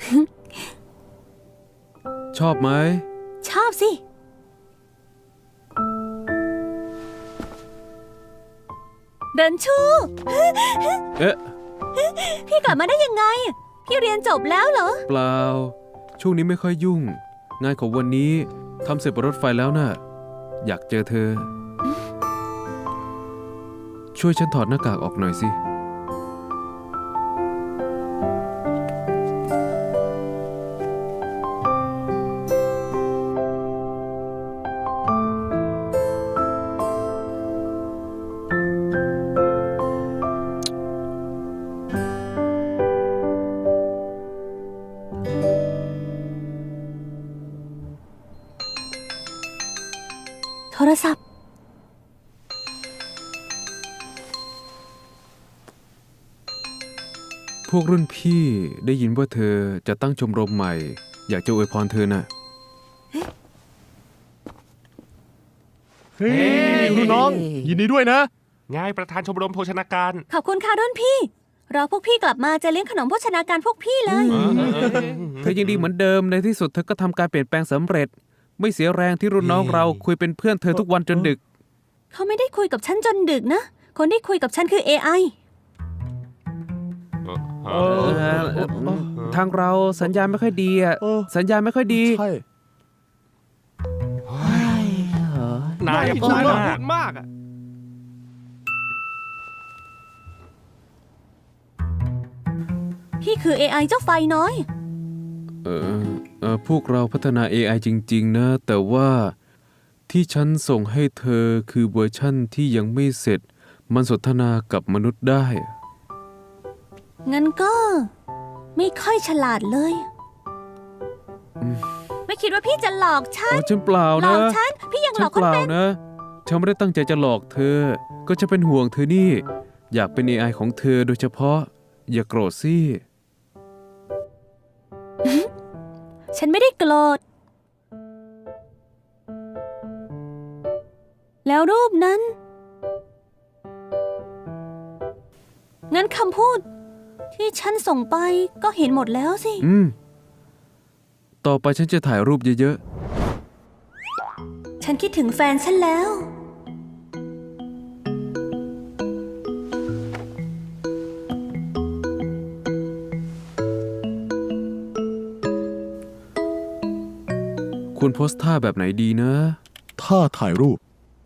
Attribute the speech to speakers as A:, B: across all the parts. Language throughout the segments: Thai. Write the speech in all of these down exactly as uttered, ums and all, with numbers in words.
A: ชอบไหม
B: ชอบสิเดินชู
A: เอ๊ะ
B: พี่กลับมาได้ยังไงพี่เรียนจบแล้วเหรอ
A: เปล่าช่วงนี้ไม่ค่อยยุ่งงานของวันนี้ทำเสร็จบนรถไฟแล้วน่ะอยากเจอเธอช่วยฉันถอดหน้ากากออกหน่อยสิ
B: โทรศัพท์
A: พวกรุ่นพี่ได้ยินว่าเธอจะตั้งชมรมใหม่อยากจะอวยพรเธอน่ะ
C: เฮ้ยรุ่นน้องยินดีด้วยนะ
D: ง่ายประธานชมรมโภชนาการ
B: ขอบคุณค่ะรุ่นพี่รอพวกพี่กลับมาจะเลี้ยงขนมโภชนาการพวกพี่เลย
A: เธอยังดีเหมือนเดิมในที่สุดเธอก็ทำการเปลี่ยนแปลงสำเร็จไม่เสียแรงที่รุ่นน้องเราคุยเป็นเพื่อนเธอทุกวันจนดึก
B: เขาไม่ได้คุยกับฉันจนดึกนะคนที่คุยกับฉันคือ เอ ไอ
A: ทางเราสัญญาณไม่ค่อยดีอ่ะสัญญาณไม่ค่อยดี
C: ใช่
D: นายพูดมาก
C: มากอ่ะ
B: พี่คือ เอ ไอ เจ้าไฟน้อย
A: เออเออพวกเราพัฒนา เอ ไอ จริงๆนะแต่ว่าที่ฉันส่งให้เธอคือเวอร์ชั่นที่ยังไม่เสร็จมันสนทนากับมนุษย์ได้
B: งั้นก็ไม่ค่อยฉลาดเลยไม่คิดว่าพี่จะหลอกฉัน
A: ฉันเปล่านะ
B: หลอกฉันพี่ยังหลอกคนเป็น
A: นะฉันไม่ได้ตั้งใจจะหลอกเธอก็จะเป็นห่วงเธอนี่อยากเป็น เอ ไอ ของเธอโดยเฉพาะอย่าโกรธสิ
B: ฉันไม่ได้โกรธแล้วรูปนั้นงั้นคำพูดที่ฉันส่งไปก็เห็นหมดแล้วสิ
A: อืมต่อไปฉันจะถ่ายรูปเยอะ
B: ๆฉันคิดถึงแฟนฉันแล้ว
A: ควรโพสท่าแบบไหนดีนะ
C: ท่าถ่ายรูป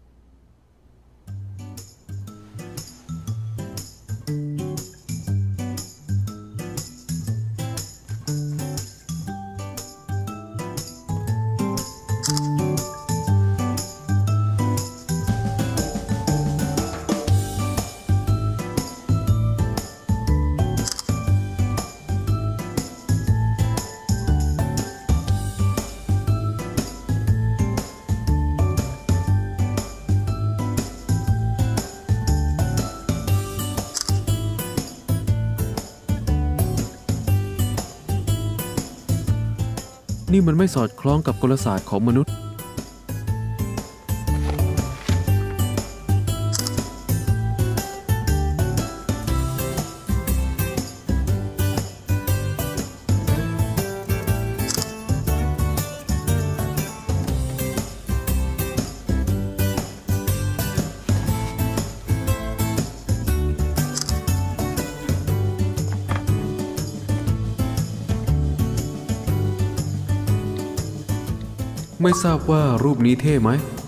A: นี่มันไม่สอดคล้องกับกลศาสตร์ของมนุษย์ไม่ทราบว่ารูปนี้เท่ไหม